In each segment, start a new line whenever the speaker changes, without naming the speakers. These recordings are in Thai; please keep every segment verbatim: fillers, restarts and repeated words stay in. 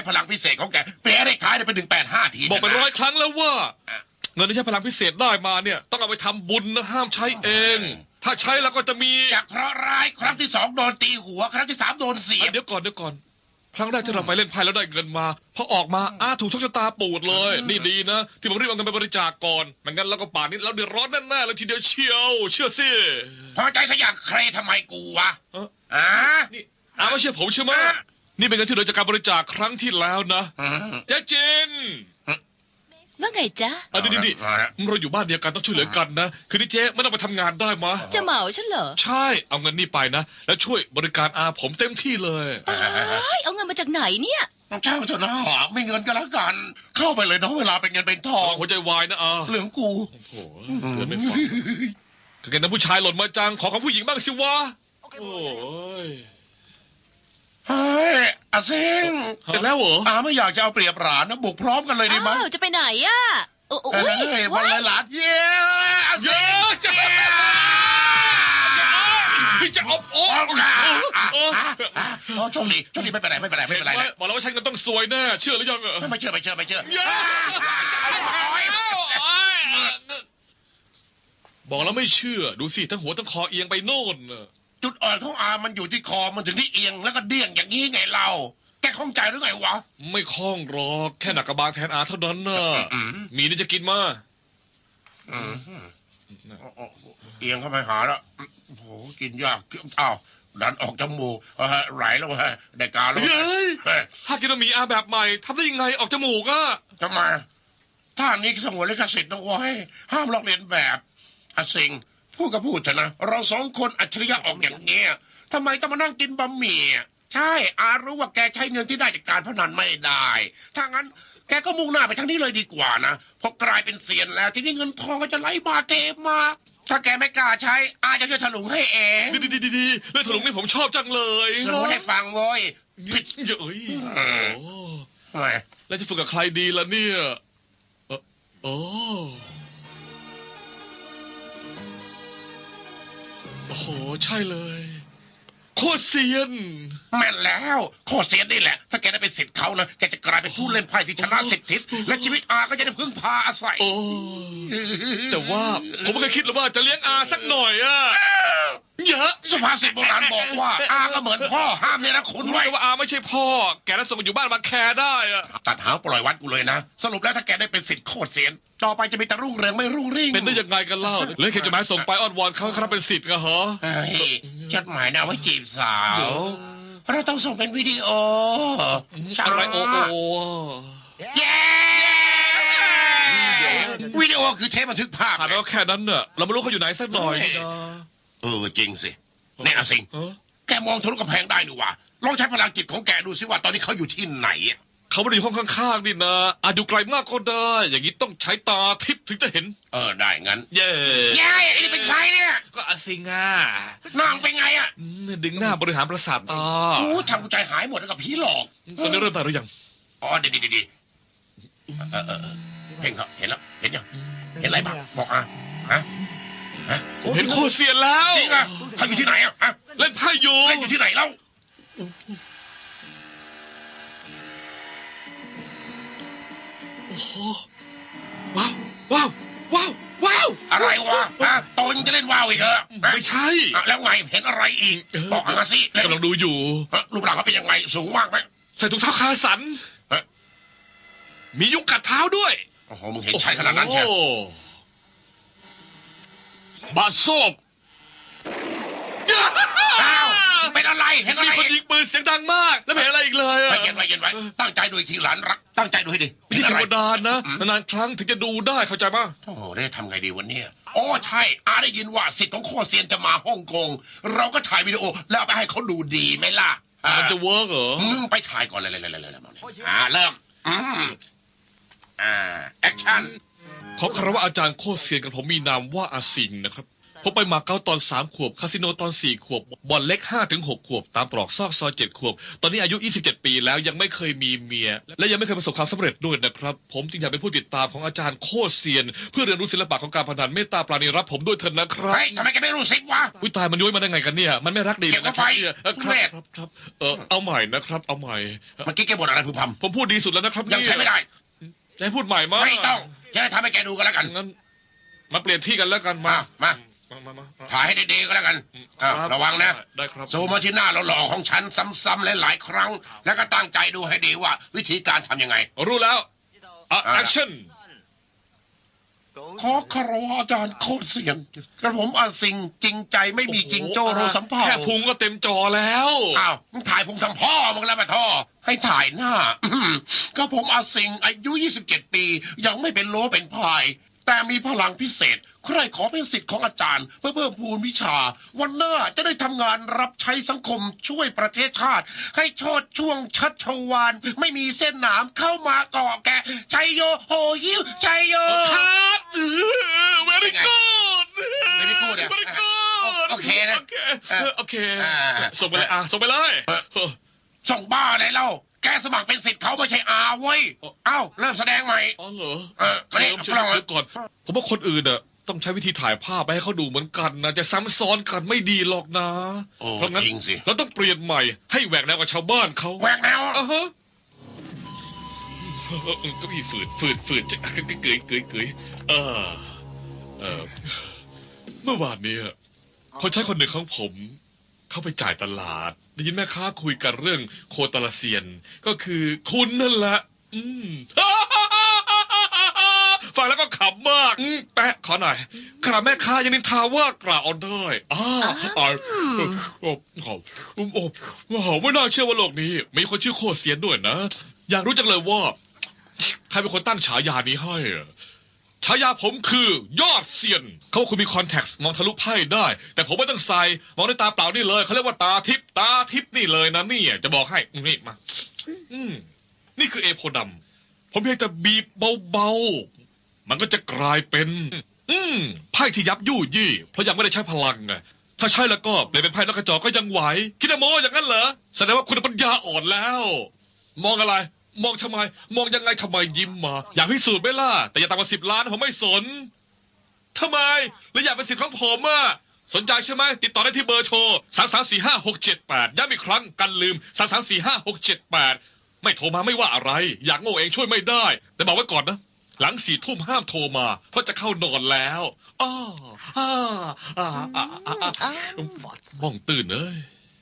พลังพิเศษของแกเปลี่ยนเลขท้ายเป็นหนึ่งแปดห้าที
บอกไปร้อยครั้งแล้วว่าเงินที่ใช้พลังพิเศษได้มาเนี่ยต้องเอาไปทำบุญนะห้ามใช้เองถ้าใช้แล้วก็จะมี
จากเคราะห์ร้ายครั้งที่สองโดนตีหัวครั้งที่สามโดนเสียบ
เดี๋ยวก่อนเดี๋ยวก่อนครั้งแรกที่เราไปเล่นไพ่แล้วได้เงินมาพอออกมาอ้าถูกโชคชะตาปูดเลยนี่ดีนะที่ผมรีบเอาเงินไปบริจาคก่อนไม่งั้นแล้วก็ป่านนี้เราเดือดร้อนแน่ๆเลยทีเดียวเชียวเชื่อสิ
พอใจซะอย่างใครทำไมกูวะ
อ่านี่อ้าไม่เชื่อผมใช่ไหมนี่เป็นเงินที่เราจากการบริจาคครั้งที่แล้วนะเจ๊จิน
ว่าไงจ๊ะ
อ่ะดิดิเราอยู่บ้านเดียวกันต้องช่วยเหลือกันนะคือนี่เจ๊ไม่ต้องไปทำงานได้มะ
จะเหมาฉันเหรอ
ใช่เอาเงินนี่ไปนะแล้วช่วยบริการอาผมเต็มที่เลย
เอาเงินมาจากไหนเนี่ย
เจ้าเถอะนะไม่เงินก็แล้วกันเข้าไปเลยน้องเวลาเป็นเงินเป็นทอง
หัวใจวายนะอา
เหลืองกู
โอ้โหเกินไม่ฟังก็เห็นนะผู้ชายหล่นมาจังขอของผู้หญิงบ้างสิวะโอ้ย
เฮ้ยอาเซิง
เสร็จแล้วเหรอ
อาไม่อยากจะเอาเปรียบหลานนะบุกพร้อมกันเลยดีไหม
จะไปไหนอ่ะโอ้
ยวันเลยหลานเย้
เยอะจะพี่จะอบโอ้
โชคดีโชคดีไม่เป็นไรไม่เป็นไรไม่เป็นไร
บอกแล้วว่าฉันก็ต้องสวยแน่เชื่อหรือยัง
ไม่เชื่อไม่เชื่อไม่เชื่อ
บอกแล้วไม่เชื่อดูสิทั้งหัวทั้งคอเอียงไปโน่น
จุดอ่อนของอามันอยู่ที่คอมันถึงที่เอียงแล้วก็เดี่ยงอย่างนี้ไงเราแกคล่องใจหรือไงวะ
ไม่คล่องหรอกแค่หนักกระบาลแทนอาเท่านั้นน่ะมีนี่จะกินมา
เอียงเข้าไปหาแล้วโอ้โหกินยากอ้าวดันออกจมูกไหลแล้วฮะได้การแล้ว
ถ้ากินมีอาแบบใหม่ทำได้ยังไงออกจมูกอ่ะ
ทำไมถ้านี้สงวนลิขสิทธิ์ต้องไว้ห้ามลอกเลียนแบบอาสิงพูดก็พูดเถอะนะเราสองคนอัจฉริยะออกอย่างเงี้ยทำไมต้องมานั่งกินบะหมี่ใช่อารู้ว่าแกใช้เงินที่ได้จากการพนันไม่ได้ถ้างั้นแกก็มุ่งหน้าไปทางนี้เลยดีกว่านะพอกลายเป็นเซียนแล้วทีนี้เงินทองก็จะไหลมาเทมาถ้าแกไม่กล้าใช้อาจะช่วยถลุงให้เอง
ดีดีดีดีเรื่องถลุงนี่ผมชอบจังเลย
สมมติให้ฟังโว้ย
ผิดเยอะ
ทำไม
แล้วจะฝึกกับใครดีล่ะเนี่ยโอ้โอ้โหใช่เลยโคตรเซียน
แม่นแล้วโคตรเซียนนี่แหละถ้าแกได้เป็นศิษย์เขานะแกจะกลายเป็นผู้เล่นไพ่ที่ชนะสิบทิศและชีวิตอาก็จะได้พึ่งพาอาศัย
โอ้แต่ว่าผมไม่เคยคิดเลยว่าจะเลี้ยงอาสักหน่อยอะเยอะ
สุภาษิตโบราณบอกว่าอาก็เหมือนพ่อห้ามเนี่ยนะคุณไว้
ว่าอาไม่ใช่พ่อแกแล้วส่งอยู่บ้านมาแคร์ได้อะ
ตัดหางปล่อยวัดกูเลยนะสรุปแล้วถ้าแกได้เป็นศิษย์โคตรเซียนต่อไปจะมีแต่รุ่งเรืองไม่รุ่งริ่ง
เป็นได้ยังไงกันเล่าเลยแค่จะมาส่งไปอ้อนวอนเขาครับเป็นศิษย์กันเหรอ
จดหมายนะไว้จีบสาวเราต้องส่งเป็นวิดีโอ
อะไรโอโอ
เย้วิดีโอคือเทปบันทึกภาพ
ถามแล้วแค่นั้นเนอะเราไม่รู้เขาอยู่ไหนสักหน่อย
เออจริงสิเนี่ยอาสิงแกมองทะลุกำแพงได้หนูวะลองใช้พลังจิตของแกดูสิว่าตอนนี้เขาอยู่ที่ไหน
เขาไม่ได้อยู่ห้องข้างๆนี่นะอาจอยู่ไกลมากก็ได้อย่างนี้ต้องใช้ตาทิพย์ถึงจะเห็น
เออได้งั้น
เย้
เย้ไอ้นี่เป็นใครเนี่ย
ก็อาซิงอ่ะ
นางเป็นไงอ่ะ
ดึงหน้าบริหารประสาทตา
โอ้ทำกูใจหายหมดแล้วกับผีหลอก
ตอนนี้เริ่มตายหรือยัง
อ๋อดีดีดีเออเออเห็นครับเห็นแล้วเห็นยังเห็นอะไรบ้างบอกอ่ะฮะ
ฮะผมเห็นโคเซียนแล้ว
จริงอ่ะเขาอยู่ที่ไหนอ่ะ
เล่นไพ่อยู่
เล่นอยู่ที่ไหนเล่า
ว้าวว้าวว้าวว้าว
อะไรวะฮะโตยังจะเล่นว้าวอีกเหรอ
ไม่ใช่
แล้วไงเห็นอะไรอีกบอกมาสิ
กำลังดูอยู่
รูปร่างเขาเป็นยังไงสูงมากไหม
ใส่ถุงเท้าคาสันมียุงกัดเท้าด้วย
โอ้โหมึงเห็นชัดขนาดนั้นใช่
บาโซบ
เป็นอะไรเห็นอะไร
มีคนยิงปืนเสียงดังมากแล้วเห็นอะไรอีกเลย
ไม่เย็นไว้เย็นไว้ตั้งใจดูทีหลานรักตั้งใจดูให้ดี
นี่ธรรมดานะนานๆครั้งถึงจะดูได้เข้าใจป่ะ
โอ้โหได้ทำไงดีวันนี้อ๋อใช่อาได้ยินว่าสิทธิ์ของโคเซียนจะมาฮ่องกงเราก็ถ่ายวิดีโอแล้วไปให้เขาดูดีไหมล่ะ
มันจะเวิร์กเหรอ
ไปถ่ายก่อนเลยเลยเลยเลยอ่าเริ่มอ่าแอคชั่น
ขอคารวะอาจารย์โคเซียนกับผมมีนามว่าอาสิงนะครับผมไปมาเก๊าตอนสามขวบคาสิโนตอนสี่ขวบบอลเล็กห้าถึงหกขวบตามตรอกซอกซอยเจ็ดขวบตอนนี้อายุยี่สิบเจ็ดปีแล้วยังไม่เคยมีเมีย และยังไม่เคยประสบความสำเร็จด้วยนะครับ ผมจึงอยากเป็นผู้ติดตามของอาจารย์โคตรเซียน เพื่อเรียนรู้ศิลปะของการพนันเมตตาปราณีรับผมด้วยเถิดนะครับ
เฮ้ยทำไมแกไม่รู้สิวะ
วิตายมันย้อยมาได้ไงกันเนี่ยมันไม่รักดีเลยนะครับเนี่ยเออค
เก็
รับบ
ไว้
ครับครับเออเอาใหม่นะครับเอาใหม่
เมื่อกี้แกบ่นอะไรพึมพ
ผมพูดดีสุดแล้วนะครับ
ำยังใช้ไม่ได้
จะให้พูดใหม่มั้ย
ไม่ต้องจะให้ทำให้แกดูกันแล้วกัน
งั้นมาเปลี่ยนที่กันแล้วกันมา
มา
มามามามา
ถ่ายให้ดีๆก็แล้วกันอ้าวระวังนะ
ได้ครับ
ซูมมาที่หน้าหล่อๆของฉันซ้ำๆหลายๆครั้ง แล้วก็ตั้งใจดูให้ดีว่า วิธีการทำยังไง
รู้แล้วอ่ะ
อ่า
แอคชั่น
ขอคารวะอาจารย์โคตรเสียงกระผมอาสิงจริงใจไม่มีจริงโจโรสัมภา
แค่พุงก็เต็มจอแล้ว
อ้าวมึงถ่ายพุงทำพ่อมึงแล้วมาท่อให้ถ่ายหน้า ก็ผมอาสิงอายุยี่สิบเจ็ดปี ยังไม่เป็นโลเป็นพาย แต่มีพลังพิเศษ ใครขอเป็นสิทธิ์ของอาจารย์ เพื่อเพิ่มพูนวิชา วันหน้าจะได้ทำงานรับใช้สังคมช่วยประเทศชาติ ให้โชดช่วงชัชวานไม่มีเส้นหนามเข้ามาเกาะแกะชัยโยโหยิวชัยโย
คัดเออ very good
Very good อะ
very good
โอเคนะ
โอเคโอเค
อ่า
ส่งไปเลยอ่ะส่งไปเลย
ส่งบ้าไหนเล่าแกสมัครเป็นสิทธิ์เขาไม่ใช่อาเว้ยเอ้าเริ่มแสดงใหม่
อ๋อเหรอ
เออมานี่
เริ่มเชื่
ลอง
อก่อน ผมว่าคนอื่นอ่ะต้องใช้วิธีถ่ายภาพไปให้เขาดูเหมือนกันนะจะซ้ำซ้อนกันไม่ดีหรอกนะ
โอ้
เพราะงั้น
จริงสิ
เราต้องเปลี่ยนใหม่ให้แหวกแนวกับชาวบ้านเขา
แหวกแนว
อ่ะฮะเออเออก็มีฝืดฝืดฝืดจะเกยเกยเกยเออเออเมื่อวานเนี้คนใช้คนหนึ่งของผม เข้าไปจ่ายตลาดได้ยินแม่ค้าคุยกันเรื่องโคตาลาเซียน ก็คือคุณนั่นแหละ อืม ฟังแล้วก็ขำมากอืมแปะขอหน่อยขนาดแม่ค้ายังนินทาว่ากล่าวเอาได้อ้าอ่าโอ้โหโอ้โหโอ้โหไม่น่าเชื่อว่าโลกนี้ มีคนชื่อโคตรเซียนด้วยนะ อยากรู้จังเลยว่า ใครเป็นคนตั้งฉายานี้ให้อะฉายาผมคือยอดเซียน เขาว่าคุณมีคอนแทคมองทะลุไพ่ได้ แต่ผมไม่ต้องใส่มองด้วยตาเปล่านี่เลยเขาเรียกว่าตาทิพตาทิพนี่เลยนะเนี่ยจะบอกให้นี่มา อืมนี่คือเอโพดำผมเพียงแต่บีบเบาๆมันก็จะกลายเป็น อืมไพ่ที่ยับยู่ยี่เพราะยังไม่ได้ใช้พลังไงถ้าใช่แล้วก็เปลี่ยนเป็นไพ่นกกระจอกก็ยังไหวคิดว่าโมอย่างนั้นเหรอแสดงว่าคุณปัญญาอ่อนแล้ว มองอะไร มองทำไม มองยังไงทำไมยิ้มมา อยากพิสูจน์ไหมล่ะแต่อย่าต่ำกว่าสิบล้านผมไม่สนทำไมหรืออยากเป็นสิทธิ์ของผมอ่ะสนใจใช่ไหมติดต่อได้ที่เบอร์โทรสามสามสี่ห้าหกเจ็ดแปดย้ำอีกครั้งกันลืมสามสามสี่ห้าหกเจ็ดแปดไม่โทรมาไม่ว่าอะไร อยากโง่เองช่วยไม่ได้ แต่บอกไว้ก่อนนะ หลังสี่ทุ่มห้ามโทรมา เพราะจะเข้านอนแล้วอ้าอ้าอ้าอ้าอ้าอ้าบ้องตื่นเอ้ย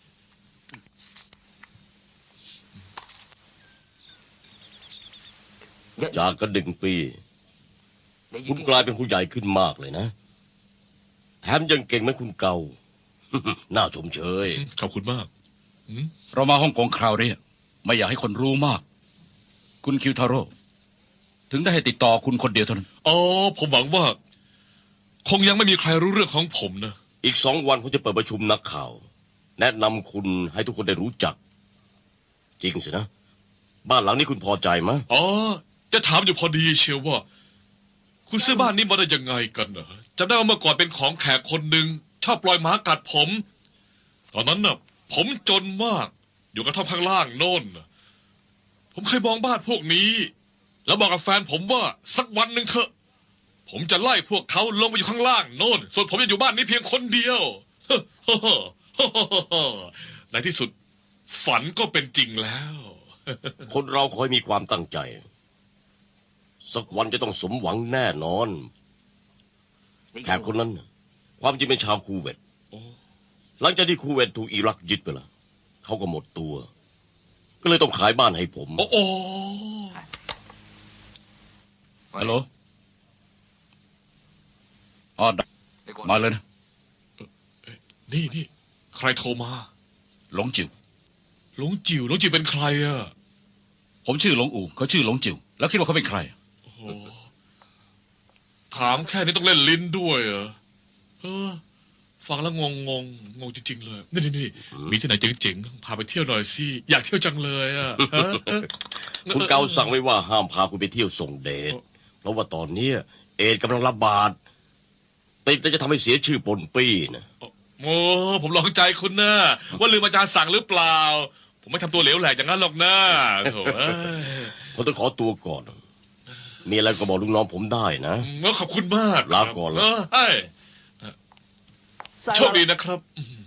จากกันหนึ่งปี คุณกลายเป็นผู้ใหญ่ขึ้นมากเลยนะ แถมยังเก่งเหมือนคุณเก่า น่าชมเชย
ขอบคุณมาก
เรามาฮ่องกงคราวนี้ไม่อยากให้คนรู้มาก คุณคิวทาโร่ถึงได้ให้ติดต่อคุณคนเดียวเท่านั้น
อ๋อ ผมหวังว่า คงยังไม่มีใครรู้เรื่องของผมนะ
อีกสองวันผมจะเปิดประชุมนักข่าว แนะนำคุณให้ทุกคนได้รู้จัก จริงสินะ บ้านหลังนี้คุณพอใจไหม
อ๋อ จะถามอยู่พอดีเชียวว่า คุณซื้อบ้านนี้มาได้ยังไงกันนะจำได้ว่าเมื่อก่อนเป็นของแขกคนหนึ่งชอบปล่อยหมากัดผม ตอนนั้นน่ะ ผมจนมาก อยู่กระท่อมข้างล่างโน่นน่ะผมเคยมองบ้านพวกนี้ แล้วบอกกับแฟนผมว่าสักวันหนึ่งเถอะ ผมจะไล่พวกเขาลงไปอยู่ข้างล่างโน่น ส่วนผมจะอยู่บ้านนี้เพียงคนเดียว ในที่สุด ฝันก็เป็นจริงแล้ว
คนเราคอยมีความตั้งใจ สักวันจะต้องสมหวังแน่นอน แขกคนนั้นน่ะความจริงเป็นชาวคูเวต
โอ้
หลังจากที่คูเวตถูกอิรักยึดไปละเขาก็หมดตัว ก็เลยต้องขายบ้านให้ผม
โอ้โอ้
ฮัลโหลอ๋อได้มาเลยนะ
นี่นี่ใครโทรมา
หลงจิ๋ว
หลงจิ๋วหลงจิ๋วเป็นใครอ่ะ
ผมชื่อหลงอู่เขาชื่อหลงจิ๋วแล้วคิดว่าเขาเป็นใคร
โอ้โหถามแค่นี้ต้องเล่นลิ้นด้วยเหรอเออ ฟังแล้วงงงงงงจริงๆเลย นี่นี่นี่มีที่ไหนเจ๋งๆ พาไปเที่ยวหน่อยสิ อยากเที่ยวจังเลยอ่ะฮะเออ
คุณเกาสั่งไว้ว่าห้ามพาคุณไปเที่ยวส่งเดช เพราะว่าตอนเนี้ยเอดส์กำลังระบาดติดแล้วจะทำให้เสียชื่อปนปี้นะ
โอ้ผมลองใจคุณนะว่าลืมอาจารย์สั่งหรือเปล่า ผมไม่ทำตัวเหลวแหลกอย่างนั้นหรอกนะโถ่เอ้ย
ผมต้องขอตัวก่อน มีอะไรก็บอกลูกน้องผมได้นะ
ก็ขอบคุณมาก
ลาก่อน
เออเอ้ยโชคดีนะครับ